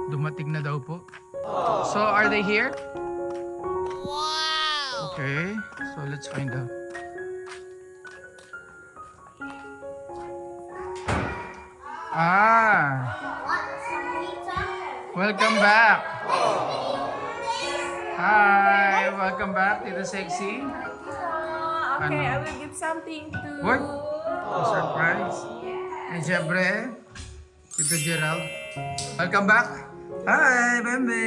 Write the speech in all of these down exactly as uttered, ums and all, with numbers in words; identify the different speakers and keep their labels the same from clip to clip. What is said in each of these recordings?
Speaker 1: Dumating na daw po. So, are they here? Wow! Okay, so let's find out. Ah! Welcome back! Hi! Welcome back, Tita Sexy.
Speaker 2: Uh, okay,
Speaker 1: Ano?
Speaker 2: I will give something to...
Speaker 1: What? A surprise. And syempre, Tito Gerald. Welcome back! Hi, Bembe!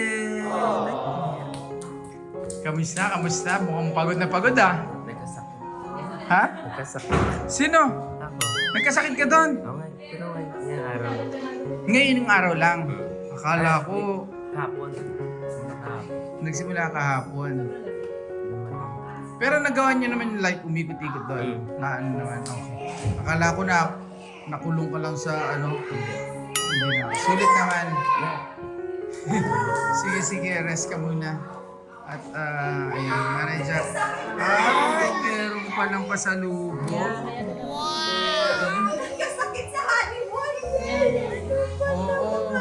Speaker 1: Kamusta? Kamusta? Mukhang pagod na pagod ah.
Speaker 3: Nagkasakit.
Speaker 1: Ha?
Speaker 3: Nagkasakit.
Speaker 1: Sino?
Speaker 3: Ako.
Speaker 1: Nagkasakit ka doon?
Speaker 3: Okay. Pero ngayon yung araw.
Speaker 1: Ngayon yung araw lang. Akala ko
Speaker 3: Hapon. Hapon.
Speaker 1: nagsimula kahapon.
Speaker 3: Naman.
Speaker 1: Pero nagawa niyo naman yung like umikot-ikot doon. Na ano naman, okay. Akala ko na nakulong ka lang sa ano. Hindi na. Sulit naman. Sige, sige. Rest ka muna. At uh, ayun, manager. Ay, meron pa ng pasalubong.
Speaker 2: Nagkasakit sa honeymoon!
Speaker 1: Oo.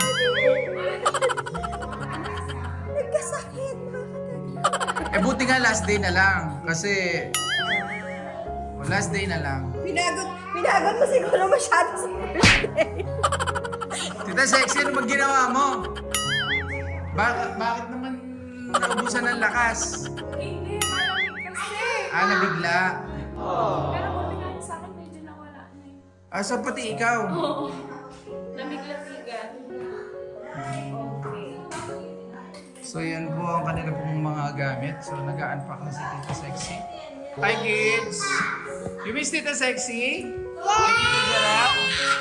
Speaker 2: Nagkasakit!
Speaker 1: Eh buti nga last day na lang. Kasi oh, last day na lang.
Speaker 2: Pinagod, pinagod mo siguro masyado sa birthday.
Speaker 1: Tita Sexy, ano bang ginawa mo? Bakit, bakit naman naubusan ng lakas?
Speaker 2: Hindi, malamig kasi.
Speaker 1: Ah, nabigla.
Speaker 2: Pero buti nga sa akin, medyo nawala na yun.
Speaker 1: Ah, so pati ikaw.
Speaker 2: Oo. Lamig-lamigan. Okay.
Speaker 1: So yan po ang kanila pong mga gamit. So nag-unpack na si Tita Sexy. Hi kids! You miss Tita Sexy? Hi Tita Gerald?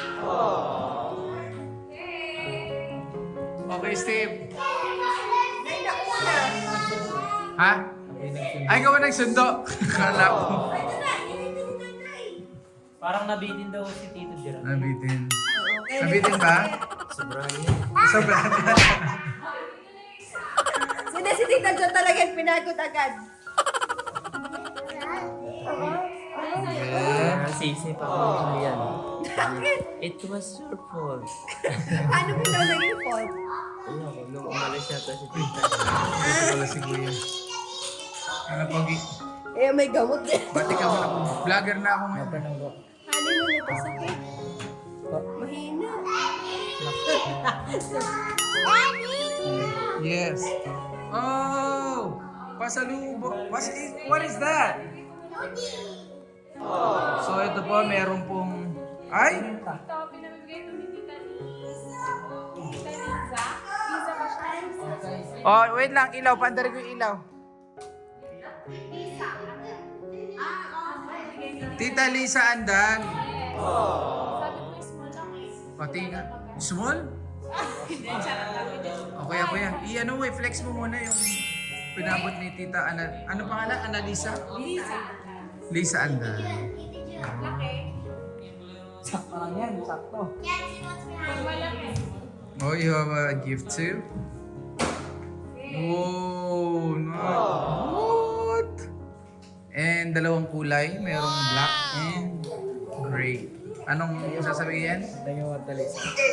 Speaker 1: Okay, Steve. Ha? Ay, gawa nagsundo. Kala ko.
Speaker 4: Parang nabitin daw si Tito Gerald.
Speaker 1: Nabitin. Nabitin ba?
Speaker 3: Sobrang yun.
Speaker 1: Sobrang.
Speaker 2: Sino si Tita Jo talaga yung pinagod agad?
Speaker 1: Yeah.
Speaker 3: Nasisip ako yan.
Speaker 2: Bakit?
Speaker 3: It was your fault.
Speaker 2: Ano ba daw naging fault?
Speaker 3: Wala ko, nung umalis yata si Tita.
Speaker 1: Ito pala si Kuya. Ano pogi?
Speaker 2: Eh, may gamot din.
Speaker 1: Bati ka muna po. Vlogger na ako ngayon.
Speaker 2: Honeymoon ito sakit. Mahina.
Speaker 1: Yes. Oh! Pasalubo. What is, what is that? So ito po, meron pong... Ay!
Speaker 2: Ito, pinamigay ito ni Tita Liza. Tita Liza? Liza ba siya?
Speaker 1: Oh, wait lang. Ilaw. Pandari ko yung ilaw. Tita Lisa Andan.
Speaker 2: Sabi ko, small lang eh.
Speaker 1: Pati nga. Small?
Speaker 2: Hindi, charot lang. Hindi.
Speaker 1: Okay, ako yan. I-ano mo, i-flex mo muna yung pinabot ni Tita Ana. Ano pangalan? Analisa?
Speaker 2: Liza.
Speaker 1: Lisa Andan.
Speaker 2: Laki.
Speaker 4: Sakto lang yan, sakto.
Speaker 2: Pag malaki.
Speaker 1: Oh, you have a gift too? Oh, nice. What? And dalawang kulay. Merong black and gray. Anong sasabihin?
Speaker 4: Tayo at talis.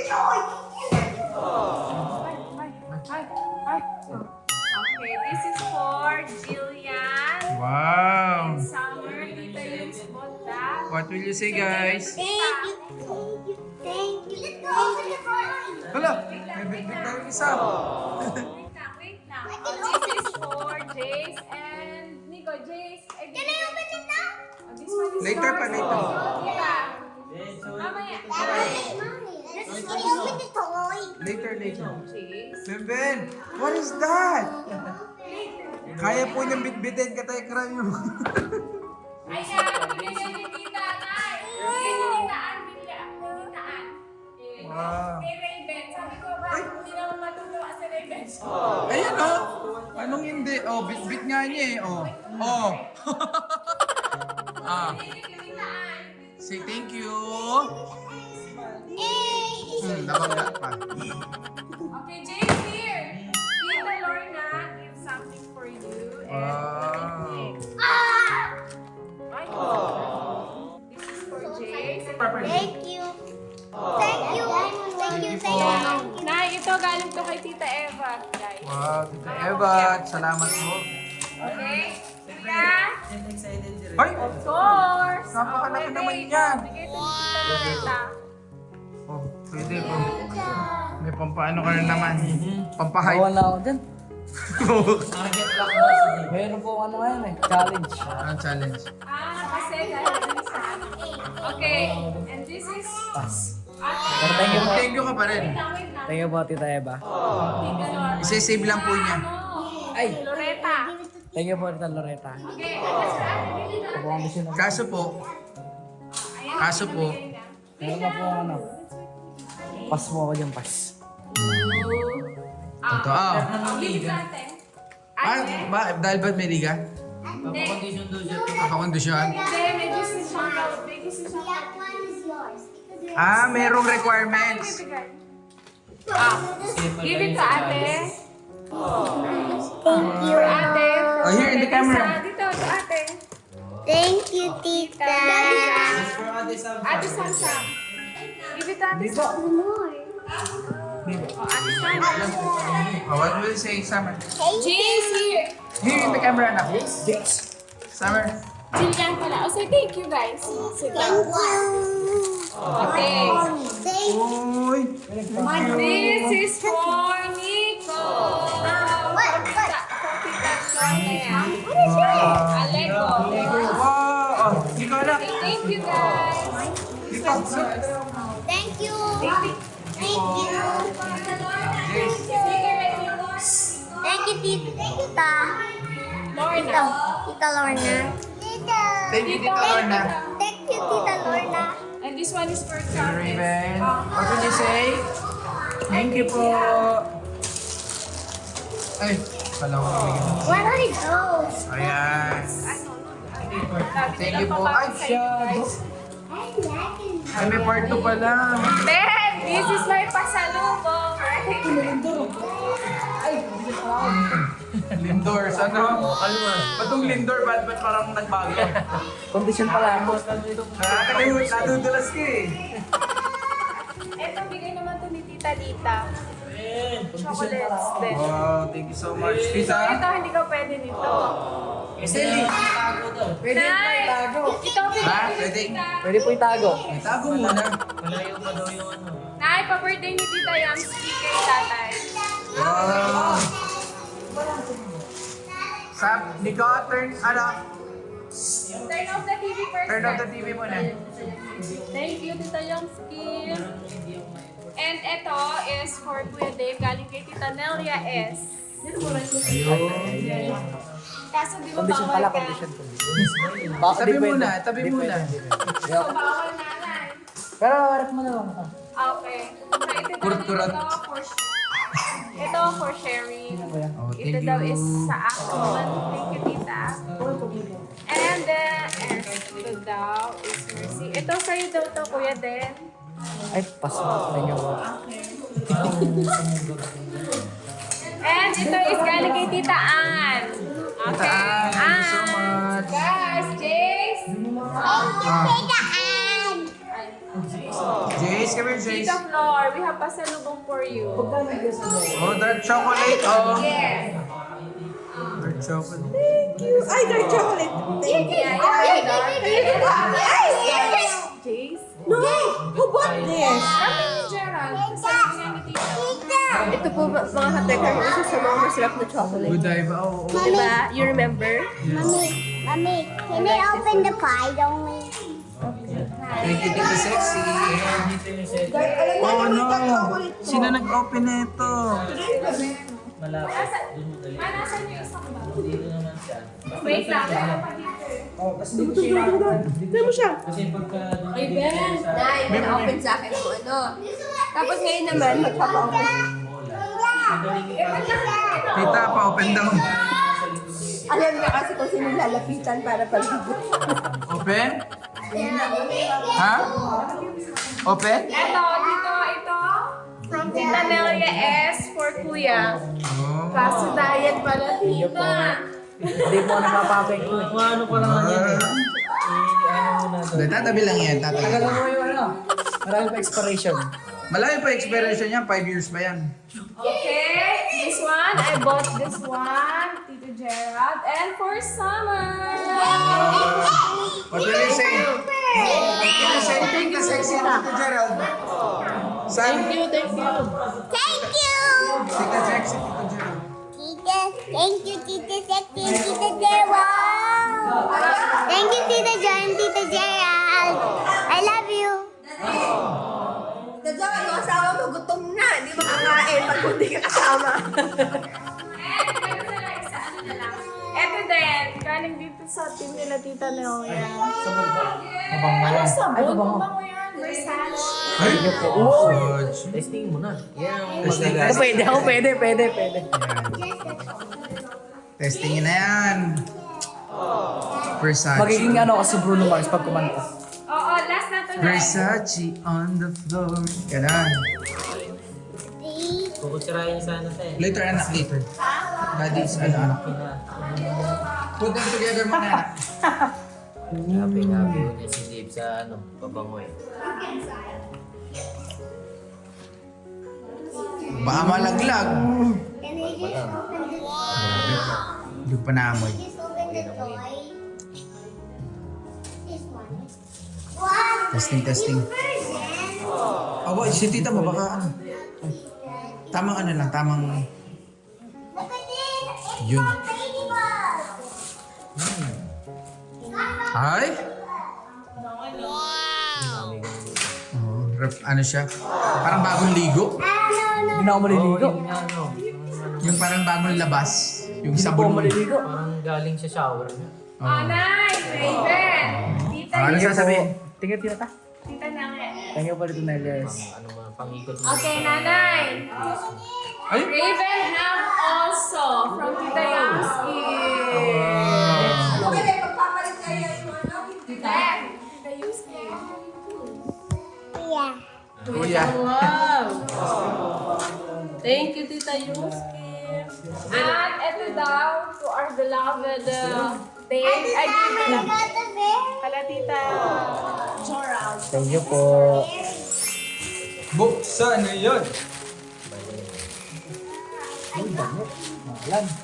Speaker 2: Okay, this is for Jillian.
Speaker 1: Wow.
Speaker 2: Summer, Tita Yun's bought that.
Speaker 1: What will you say, guys?
Speaker 5: Thank you. Thank you. Let's go to the party.
Speaker 1: Hala, may big-big tayo isa.
Speaker 2: Wait na, wait na. Oh, this is for Jace and Nico. Jace, I
Speaker 5: Can I open it now?
Speaker 2: Oh, this one is
Speaker 1: Later pa,
Speaker 2: yours.
Speaker 1: later.
Speaker 2: Oh, diba? Mamaya.
Speaker 5: Mommy, let's can you open the toy?
Speaker 1: Later, later.
Speaker 2: Jace.
Speaker 1: Ben, what is that? Kaya po niyang bitbitin ka tayo kram yung...
Speaker 2: Ayan, bigyan ni Tita Nay. Bigyan ni Tita Ann. Bigyan ni Tita Ann. Eh,
Speaker 1: Wow.
Speaker 2: Kay Raven. Sabi ko ba, hindi naman matutuwa si Raven.
Speaker 1: Ayan oh. Anong hindi? Oh, bit-bit nga niya eh. Oh. Oh. ah.
Speaker 2: Bigyan ni Tita Ann.
Speaker 1: Say thank you.
Speaker 5: Hey.
Speaker 1: Hmm, nabangga pa.
Speaker 2: Okay, James here. Tita Lorna gives something for you. And
Speaker 1: Wow.
Speaker 2: Ay, this is for Jace.
Speaker 5: Thank you. Thank you. Thank you. Thank you.
Speaker 2: Nay, ito, galing to kay Tita Eva, guys.
Speaker 1: Wow, Tita Eva, salamat po.
Speaker 2: Okay? Tita?
Speaker 1: Ay!
Speaker 2: Of course.
Speaker 1: Napakalaki
Speaker 2: Oh,
Speaker 1: naman
Speaker 2: pwede.
Speaker 1: yan.
Speaker 2: Bigay to ni Tita Loretta.
Speaker 1: Oh, pwede po. May pampaano ka rin naman. Pampahay.
Speaker 4: Bawal na ako dyan. Mayroon po ano ngayon eh, challenge.
Speaker 1: Ang challenge.
Speaker 2: Ah, kasi dahil dun sa ano. Okay, and this is...
Speaker 4: Pero thank you po.
Speaker 1: Thank you ka pa rin.
Speaker 2: Wait lang, wait lang.
Speaker 4: Thank you po, Tita Eva.
Speaker 2: Tita Loretta.
Speaker 1: Isi-save lang po niya.
Speaker 2: Ano?
Speaker 4: Ay!
Speaker 2: Loretta.
Speaker 4: Thank you po, Tita Loretta.
Speaker 2: Okay, ano sa atin? Dito na.
Speaker 4: Ako ang bisyo na.
Speaker 1: Kaso po,
Speaker 2: Ayan,
Speaker 1: Kaso po,
Speaker 2: bigay na.
Speaker 4: Meron pa po ano. Pass mo ako dyan, pass.
Speaker 2: Ah,
Speaker 1: totoo.
Speaker 2: give it sa atin.
Speaker 1: Ah,
Speaker 2: Ate?
Speaker 1: ba, dahil ba't may liga?
Speaker 2: Hindi.
Speaker 1: Kakakondisyon?
Speaker 2: Hindi, may business siyang may business siyang
Speaker 5: That one is yours. Because you're
Speaker 1: Ah, merong requirements.
Speaker 2: bibigay. Ah, give it to ate.
Speaker 5: Thank you.
Speaker 2: Ate.
Speaker 1: Oh, here in the camera.
Speaker 2: Sa- Dito, to ate.
Speaker 5: Thank you, Tita.
Speaker 2: Ate Samsam. Give it to ate Sam.
Speaker 5: More.
Speaker 2: Oh, ate Sam.
Speaker 1: Oh, what will you say, Summer?
Speaker 2: Jace here.
Speaker 1: Here in the camera na. Summer.
Speaker 2: Jillian pala. Oh, say thank you, guys. Sit
Speaker 5: Thank
Speaker 2: down.
Speaker 5: you.
Speaker 2: Okay.
Speaker 5: Thank you.
Speaker 1: Uy!
Speaker 2: This is for Nico.
Speaker 5: What? What?
Speaker 2: Alego.
Speaker 1: Wow! Oh, ikaw na.
Speaker 2: Thank you, guys.
Speaker 1: Ikaw.
Speaker 5: Thank you.
Speaker 2: Thank you.
Speaker 5: Thank you. Thank you, Tita.
Speaker 2: Lorna.
Speaker 5: Tita Lorna. Tita.
Speaker 1: Thank you, Tita Lorna.
Speaker 5: Thank you, Tita Lorna.
Speaker 2: And this one is for
Speaker 1: Thank you,
Speaker 2: Charles.
Speaker 1: Raven. What will you say? Thank you po. Ay, kala ko nabigyan.
Speaker 5: Where are those?
Speaker 1: Ayan. Thank you po. Ay, siya.
Speaker 5: I like it.
Speaker 1: Ay, may part two pala.
Speaker 2: Ben, this is my pasalubong.
Speaker 1: Lindors, ano? Patong Lindor, ba't ba't parang nagbago?
Speaker 4: Condition pala ako.
Speaker 1: Nakakalimutan, nadudulas ka eh.
Speaker 2: Ito, bigay naman to ni Tita Lita. Chocolates din.
Speaker 1: Wow, thank you so much.
Speaker 2: So,
Speaker 1: Tita?
Speaker 2: ito, hindi ka pwede nito.
Speaker 4: Pwede
Speaker 2: Pwede
Speaker 4: pa itago.
Speaker 2: Ito, bigay
Speaker 1: Ha?
Speaker 2: ni
Speaker 1: Pwede?
Speaker 2: Tita.
Speaker 4: Pwede po itago.
Speaker 1: Itago muna.
Speaker 2: Nay, pa-birthday ni Tita Yamski kay tatay.
Speaker 1: Wow. Sap, Nico, turn, ano?
Speaker 2: Turn off the T V first.
Speaker 1: Turn off the T V muna.
Speaker 2: Thank you, Tita Yamski. And ito is for Kuya Dave, galing kay Tita Nelia S. Kaso di ba
Speaker 4: Condition
Speaker 2: bawal
Speaker 4: pala,
Speaker 2: ka?
Speaker 4: condition. Baka
Speaker 1: Tabi
Speaker 4: di pwede.
Speaker 1: muna, tabi
Speaker 4: Di
Speaker 1: muna.
Speaker 4: pwede, di pwede.
Speaker 2: So bawal na lang.
Speaker 4: Pero harap mo na lang.
Speaker 2: Okay. So ito daw
Speaker 1: Kurot-kurot.
Speaker 2: ito for ito for sharing.
Speaker 1: Oh,
Speaker 2: Ito
Speaker 1: thank
Speaker 2: daw
Speaker 1: you.
Speaker 2: is sa akin. Thank you, Tita. And then, and ito daw is Mercy. Ito sa'yo daw to, Kuya Den.
Speaker 4: Ay, pass mo. Thank you po.
Speaker 2: And ito is galing kay Tita Ann.
Speaker 1: Tita Ann, thank you so much.
Speaker 2: Guys, Jace.
Speaker 5: Tita Ann.
Speaker 1: Jace, come here, Jace.
Speaker 2: Tita Flor, we have pasalubong for you.
Speaker 1: Oh, dark chocolate, oh.
Speaker 2: Yes.
Speaker 1: Dark chocolate.
Speaker 6: Ay, dark chocolate. Thank you.
Speaker 2: Yeah, yeah,
Speaker 6: Ay,
Speaker 2: Jace.
Speaker 6: no! Who bought this?
Speaker 2: Kami ni Gerald. Pasalubong niya ni Tita.
Speaker 6: Ito po mga katekar, isa sa mga masarap na chocolate.
Speaker 1: Good dive, oh. oh.
Speaker 6: Diba? You remember?
Speaker 5: Mommy, mommy, can I open the pie, don't we?
Speaker 1: Thank you, Tita Sexy. Oh, no. Sino nag-open na ito?
Speaker 2: Nasa, ah, nasan yung isang ba? Wait lang.
Speaker 6: Tignan mo siya.
Speaker 2: Ay, Ben.
Speaker 6: Nay, may na-open sa akin kung ano. Tapos ngayon naman, magpapa-open.
Speaker 1: Tita, pa-open daw.
Speaker 6: Alam niya kasi kung sino lalapitan para pag-ibig.
Speaker 1: Open? Ha? Open?
Speaker 2: Eto, dito, ito. Tita Nelia S for Kuya.
Speaker 1: Oh.
Speaker 2: Kaso diet pala, Tita.
Speaker 4: Hindi mo napapapek ko. Ano pa lang yan eh.
Speaker 1: Hindi, tatabi lang yan, tatabi.
Speaker 4: Tagal mo yung ano. Marami pa expiration.
Speaker 1: Malayo pa expiration niya, five years pa yan.
Speaker 2: Okay, this one, I bought this one, Tito Gerald, and for summer.
Speaker 1: What will you say? What will you say? Thank you, sexy Tito Gerald. Thank you, thank you.
Speaker 5: Thank you.
Speaker 1: Tita sexy Tito Gerald.
Speaker 5: Tita, thank you, Tita Sexy, Tita Gerald. Thank you, Tita John, Tita Gerald. I love you.
Speaker 6: Tadya, yung asawa mo, gutom na. Hindi makakain pag hindi ka kasama.
Speaker 2: Ito din, galing dito sa team nila Tita Leoya.
Speaker 4: Mabango
Speaker 2: Ano
Speaker 4: yan.
Speaker 2: sabon?
Speaker 4: Ay, mabango.
Speaker 2: Mabango yan, Versace.
Speaker 1: Ay, George.
Speaker 3: Testing mo na. Yan ang
Speaker 1: Testing.
Speaker 3: magagawa.
Speaker 4: Ako pwede, ako pwede, pwede, pwede.
Speaker 1: Testingin na yan. Versace.
Speaker 4: Magiging ano kasi Bruno Mars pag kumanta.
Speaker 2: Oo, last na to na.
Speaker 1: Versace on the floor. Ganun.
Speaker 3: Kukutsirahin sana tayo.
Speaker 1: Later, anak, later. Daddy's ano, anak. Put them together muna, anak.
Speaker 3: Happy, happy yun eh, si Dave sa ano, pabangoy.
Speaker 1: Baka malaglag.
Speaker 5: Can I just open the
Speaker 1: Hindi pa naamoy.
Speaker 5: Just open the toy. This one. Wow.
Speaker 1: Testing, testing.
Speaker 5: Version.
Speaker 1: Aba, si tita mo, baka ano. Tamang ano lang, tamang...
Speaker 5: Look at this. It's
Speaker 1: Yun.
Speaker 5: a ladybug.
Speaker 1: Ay? Oh, ref, ano siya? Parang bagong ligo.
Speaker 5: Ah, no, no.
Speaker 4: Hindi na ako maliligo.
Speaker 3: Yun nga, ano,
Speaker 1: Yung parang bagong labas. Yung
Speaker 4: Hindi na po
Speaker 1: sabon
Speaker 4: ako
Speaker 1: mo.
Speaker 4: maliligo.
Speaker 3: parang galing sa shower niya.
Speaker 2: Oh, nice, Raven. Tita
Speaker 1: Ah, ano
Speaker 2: Yu.
Speaker 1: sasabihin?
Speaker 4: Tingnan, tingnan ta.
Speaker 2: Tita Nange.
Speaker 4: Thank you pa dito, Nelias.
Speaker 3: Pang, ano mga pangikot mo.
Speaker 2: Okay, nanay.
Speaker 1: Ay!
Speaker 2: Raven have also from Tita Yamski.
Speaker 6: Okay, pagpapalit kayo yung ano.
Speaker 2: Tita, Tita Yamski.
Speaker 5: Yeah.
Speaker 1: Kuya.
Speaker 2: Wow. Thank you, Tita Yamski. At ito daw, to our beloved uh, Dave. Ay,
Speaker 5: I
Speaker 2: Dave.
Speaker 5: got the bear.
Speaker 2: Kala Tita Gerald.
Speaker 4: Thank you po.
Speaker 1: Buksan na yun.
Speaker 4: Malan.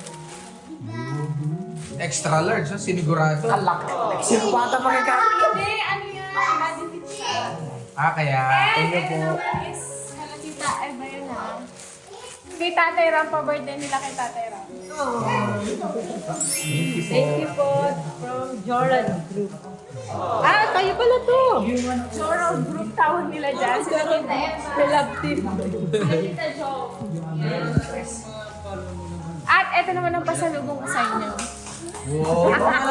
Speaker 1: Extra large, ha? Sinigurado.
Speaker 4: Alak. Sino pa ata magkaka?
Speaker 2: Hindi, ano yan? Madipit siya.
Speaker 1: Ah, kaya...
Speaker 2: And ito naman is kala Tita Eva yun ha. Kay Tatay Ram, pa-birthday nila kay Tatay Ram. Thank you po from Jordan Group. Ah, kayo pala to. Jordan Group tawag nila dyan. Sila Tita Eva. The love team. Sila Tita Jo. At ito naman ang pasalubong ko sa inyo.
Speaker 1: Wow!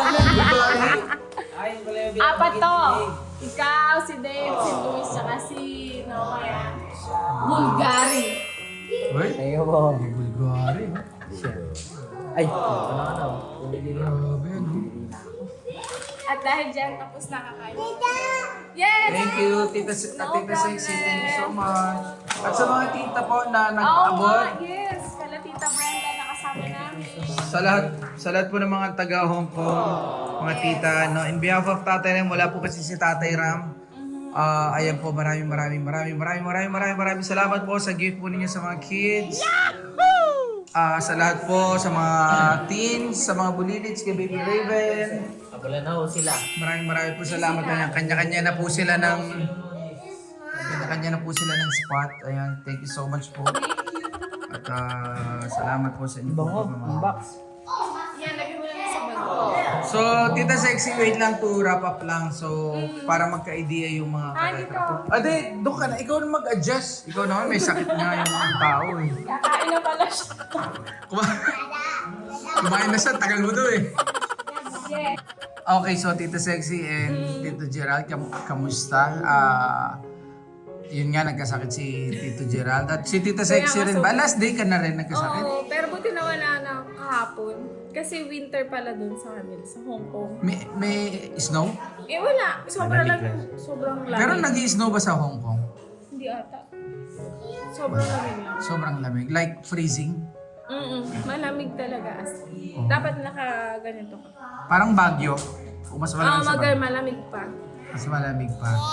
Speaker 2: Apat to. Ikaw, si Dave, si Luis, saka si Noah. Bulgari.
Speaker 1: Uy!
Speaker 4: Thank you po.
Speaker 1: Bulgari.
Speaker 4: Ay.
Speaker 3: Ano, ano, pumili ka.
Speaker 1: Grabe, ano?
Speaker 2: At dahil dyan, tapos na kakain. Yes!
Speaker 1: Thank you, Tita, Si-
Speaker 2: No
Speaker 1: Tita Sexy. Thank you so
Speaker 2: problem.
Speaker 1: much. At sa mga tita po na
Speaker 2: Oo
Speaker 1: nag-abot,
Speaker 2: nga, yes. Kala Tita Brenda nakasama namin.
Speaker 1: sa lahat sa lahat po ng mga taga Hong Kong, mga tita, no, in behalf of Tatay Ram, wala po kasi si Tatay Ram. Ah, ayan po, maraming maraming maraming maraming maraming maraming maraming salamat po sa gift po ninyo sa mga kids. Ah, sa lahat po, sa mga teens, sa mga bulilits, kay Baby Raven.
Speaker 3: Abala na ho sila.
Speaker 1: Maraming maraming po salamat. Ayan, kanya-kanya na po sila ng kanya-kanya na po sila ng spot. Ayan, thank you so much po. At ah, salamat po sa inyo po.
Speaker 4: Bango.
Speaker 1: mga-
Speaker 4: Ang box.
Speaker 2: Yan, lagyan mo lang sa bag ko.
Speaker 1: So, Tita Sexy, wait lang to wrap up lang. So, para magka-idea yung mga
Speaker 2: Ah,
Speaker 1: karetra po. Ade, doon ka na. Ikaw na mag-adjust. Ikaw naman, may sakit nga yung tao eh.
Speaker 2: Kakain na pala siya.
Speaker 1: Kuma- Kumain na siya, tagal mo to eh.
Speaker 2: Yes.
Speaker 1: Okay, so Tita Sexy and Tito Gerald, kam kamusta? Ah, yun nga, nagkasakit si Tito Gerald. At si Tita Sexy rin ba? Last day ka na rin nagkasakit?
Speaker 2: Oo, pero buti na wala na kahapon. Kasi winter pala dun sa amin, sa Hong Kong.
Speaker 1: May, may snow?
Speaker 2: Eh wala, sobrang lang, sobrang lamig.
Speaker 1: Pero nag-i-snow ba sa Hong Kong?
Speaker 2: Hindi ata. Sobrang lamig lang.
Speaker 1: Sobrang lamig. Like freezing?
Speaker 2: Mm malamig talaga as in.
Speaker 1: Oh.
Speaker 2: Dapat naka ganito ka.
Speaker 1: Parang Baguio. O mas
Speaker 2: Ah,
Speaker 1: malamig sa
Speaker 2: magal
Speaker 1: Baguio.
Speaker 2: malamig pa.
Speaker 1: Mas malamig pa.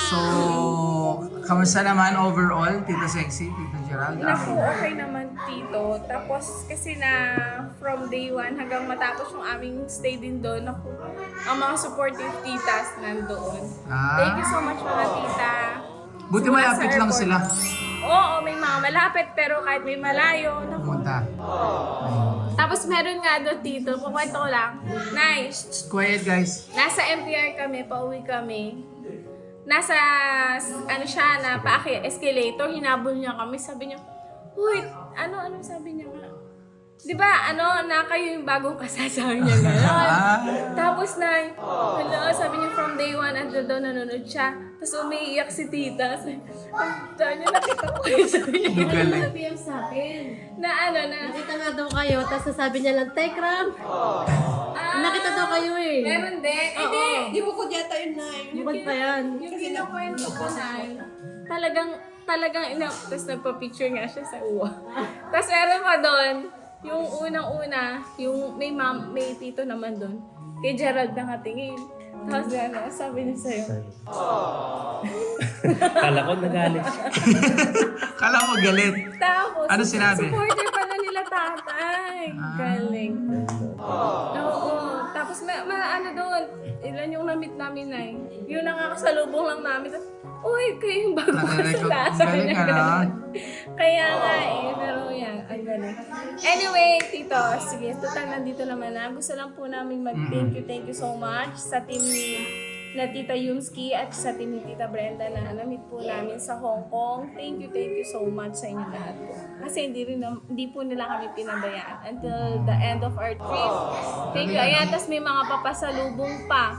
Speaker 1: So, kamusta naman overall, Tita Sexy, Tita Gerald?
Speaker 2: Naku, okay naman Tito. Tapos kasi na from day one hanggang matapos yung aming stay din doon, naku, ang mga supportive titas nandoon.
Speaker 1: Ah.
Speaker 2: Thank you so much mga tita.
Speaker 1: Buti
Speaker 2: Mga
Speaker 1: malapit
Speaker 2: sa
Speaker 1: lang
Speaker 2: airport.
Speaker 1: sila.
Speaker 2: Oo, may mga malapit pero kahit may malayo, naku.
Speaker 1: Pumunta.
Speaker 2: Tapos meron nga doon Tito, kukwento ko lang. Nice.
Speaker 1: Quiet guys.
Speaker 2: Nasa M T R kami, pauwi kami. Nasa, ano siya, na paaki-escalator, hinabol niya kami. Sabi niya, uy, ano, ano sabi niya nga? Di ba, ano, na kayo yung bagong kasasabi niya gano'n.
Speaker 1: Ah.
Speaker 2: Tapos na, hello, sabi niya from day one, andun daw nanonood siya. Tapos umiiyak si tita. Sabi niya, nakita ko kayo, sabi niya.
Speaker 1: Ang galing.
Speaker 6: Sabi yan sa akin.
Speaker 2: Na ano, na,
Speaker 6: Nakita nga daw kayo, tapos sasabi niya lang, Tekram!
Speaker 2: ah,
Speaker 6: Nakita daw kayo eh.
Speaker 2: meron din. Hindi,
Speaker 6: Di mo ko yata yun na Bukod pa yan.
Speaker 2: yung kinukwento ko na, talagang, talagang ina, tapos nagpa-picture nga siya sa uwa. Tapos meron pa doon, yung unang-una, yung may ma'am, may tito naman doon, kay Gerald nakatingin. Tapos gano'n, sabi niya sa'yo,
Speaker 4: Kala ko nagalit siya.
Speaker 1: Kala mo galit.
Speaker 2: tapos,
Speaker 1: Ano sinabi?
Speaker 2: supporter pala nila tatay. Galing. Oo. Tapos, ma, ma, ano doon, ilan yung na-meet namin na eh. Yung nakakasalubong lang namin. Tapos, uy, kayo yung bago
Speaker 1: Nare-record.
Speaker 2: kasala.
Speaker 1: Ang
Speaker 2: Sabi
Speaker 1: galing
Speaker 2: niya
Speaker 1: ka na.
Speaker 2: gano'n. Kaya nga eh, pero yan, ang galing. Anyway, Tito, sige, total nandito naman na. Gusto lang po namin mag-thank you, thank you so much sa team ni na Tita Yumski at sa team ni Tita Brenda na na-meet po namin sa Hong Kong. Thank you, thank you so much sa inyo lahat po. Kasi hindi, rin, nam- hindi po nila kami pinabayaan until the end of our trip. Thank you. Ayan, tas may mga papasalubong pa.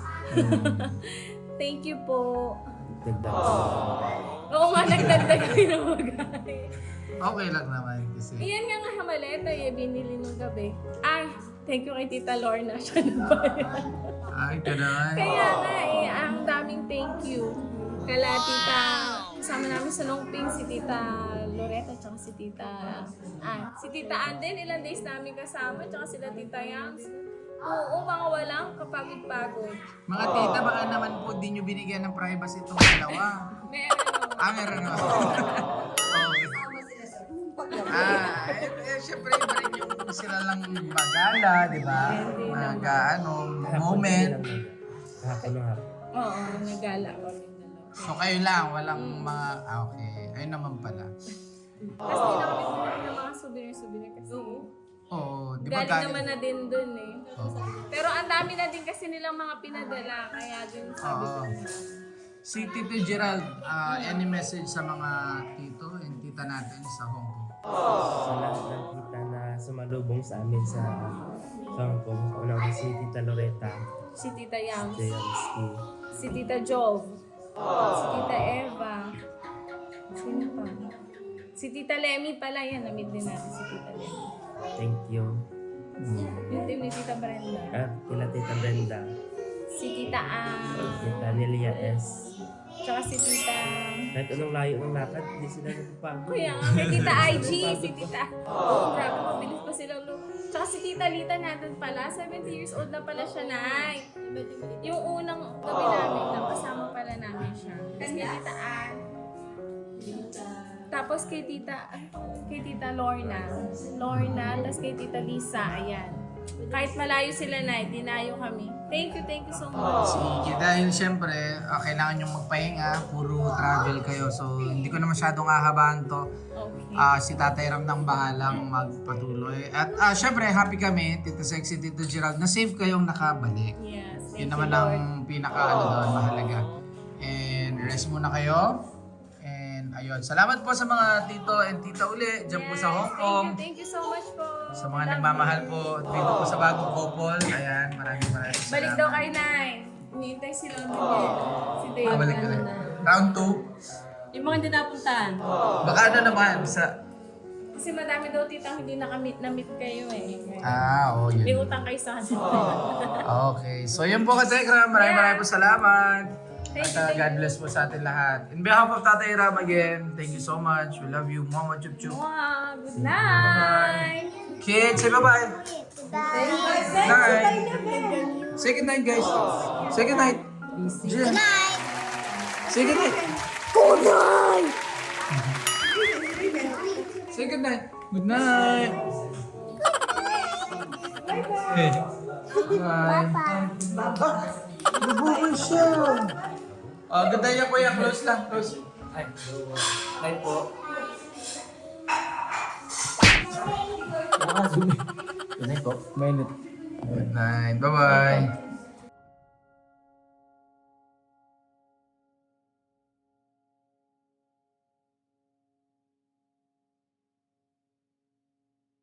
Speaker 2: Thank you po.
Speaker 4: Dagdag.
Speaker 2: Oo nga, nagdagdag kami ng bagay.
Speaker 1: Okay lang naman kasi.
Speaker 2: Iyan nga nga hamaleta eh, binili nung gabi. Ay, thank you kay Tita Lorna. Siya na ba yan?
Speaker 1: Ay, ganun.
Speaker 2: Kaya nga eh, ang daming thank you. Kala Tita, kasama namin sa Longping, si Tita Loretta, tsaka si Tita, ah, si Tita Anden, ilang days namin kasama, tsaka sila Tita Yams. Oo, mga walang kapagod-pagod.
Speaker 1: Mga tita, baka naman po di nyo binigyan ng privacy itong dalawa.
Speaker 2: Meron.
Speaker 1: Ah, meron na. Okay. Ah, eh, eh syempre iba rin yung sila lang magala, di ba? Nag, ano, moment.
Speaker 4: Hapon ng hapon.
Speaker 2: Oo, nagala kami dalawa.
Speaker 1: So kayo lang, walang mga, ah, okay. Ayun naman pala.
Speaker 2: Tapos hindi na kami bumili ng mga souvenir-souvenir kasi
Speaker 1: Oo, di ba
Speaker 2: galing
Speaker 1: galing?
Speaker 2: naman na din dun eh.
Speaker 1: Oo.
Speaker 2: Pero ang dami na din kasi nilang mga pinadala, kaya din sabi ko.
Speaker 1: Oo. Si Tito Gerald, ah, any message sa mga tito and tita natin sa Hong Kong?
Speaker 4: Sa lahat ng kita na sumalubong sa amin sa Hong Kong. Unang si Tita Loretta,
Speaker 2: Si Tita Yams,
Speaker 4: Jayamski,
Speaker 2: si Tita Jove, si Tita Eva, sino pa? Si Tita Lemmy pala yan, na-meet din natin si Tita Lemmy.
Speaker 4: thank you.
Speaker 2: Yung team ni Tita Brenda.
Speaker 4: At kila Tita Brenda,
Speaker 2: Si Tita Ann,
Speaker 4: Tita Nelia S.
Speaker 2: tsaka si Tita...
Speaker 4: Kahit anong layo ng lakad, hindi sila nagpapagod.
Speaker 2: Kuya nga, kay Tita I G, si Tita... Oh, grabe, mabilis pa silang lo. Tsaka si Tita Lita natin pala, seventy years old na pala siya, Nay. Yung unang gabi namin, nakasama pala namin siya. Tapos kay Tita Ann, tapos kay Tita, kay Tita Lorna, Lorna, tapos kay Tita Lisa, ayan. Kahit malayo sila na, dinayo kami. Thank you, thank you so much.
Speaker 1: Sige, dahil siyempre, ah, kailangan nyo magpahinga, puro travel kayo. So, hindi ko na masyadong hahabaan to.
Speaker 2: Okay.
Speaker 1: Ah, si Tatay Ram nang bahalang magpatuloy. At ah, siyempre, happy kami, Tito Sexy, Tito Gerald, na safe kayong nakabalik.
Speaker 2: Yes,
Speaker 1: Yun
Speaker 2: thank you,
Speaker 1: naman
Speaker 2: Lord.
Speaker 1: ang pinaka ano doon, mahalaga. And rest muna kayo. And ayun, salamat po sa mga tito and tita uli dyan po sa Hong Kong.
Speaker 2: Thank you, thank you so much po.
Speaker 1: Sa mga nagmamahal po dito po sa bagong couple. Ayan, maraming maraming salamat.
Speaker 2: Balik daw kay Nay. Hinihintay sila Miguel. Si Dave.
Speaker 1: Ah, balik balik. Round two.
Speaker 6: Yung mga hindi napuntahan.
Speaker 1: Baka ano naman sa...
Speaker 2: Kasi madami daw titang hindi nakamit na-meet kayo eh.
Speaker 1: Ah, oh
Speaker 2: May
Speaker 1: yun.
Speaker 2: utang kayo sa kanila.
Speaker 1: Okay. So yun po ka Tekram. Maraming maraming po salamat.
Speaker 2: Thank
Speaker 1: At
Speaker 2: you,
Speaker 1: uh,
Speaker 2: thank
Speaker 1: God bless po sa atin lahat. In behalf of Tatay Ram again, thank you so much. We love you. Mama Chup Chup.
Speaker 2: Wow, good night!
Speaker 1: Kids, say bye-bye. Night. Say good night, guys. Say good night.
Speaker 5: Good night.
Speaker 1: Say good night.
Speaker 5: Good night!
Speaker 1: Say good night. Good night. Hey. Bye. Nabuhay siya. Oh, good night niya kuya. Close lang. Close.
Speaker 3: Ay, ay po. Good night po.
Speaker 1: Good night. Bye-bye.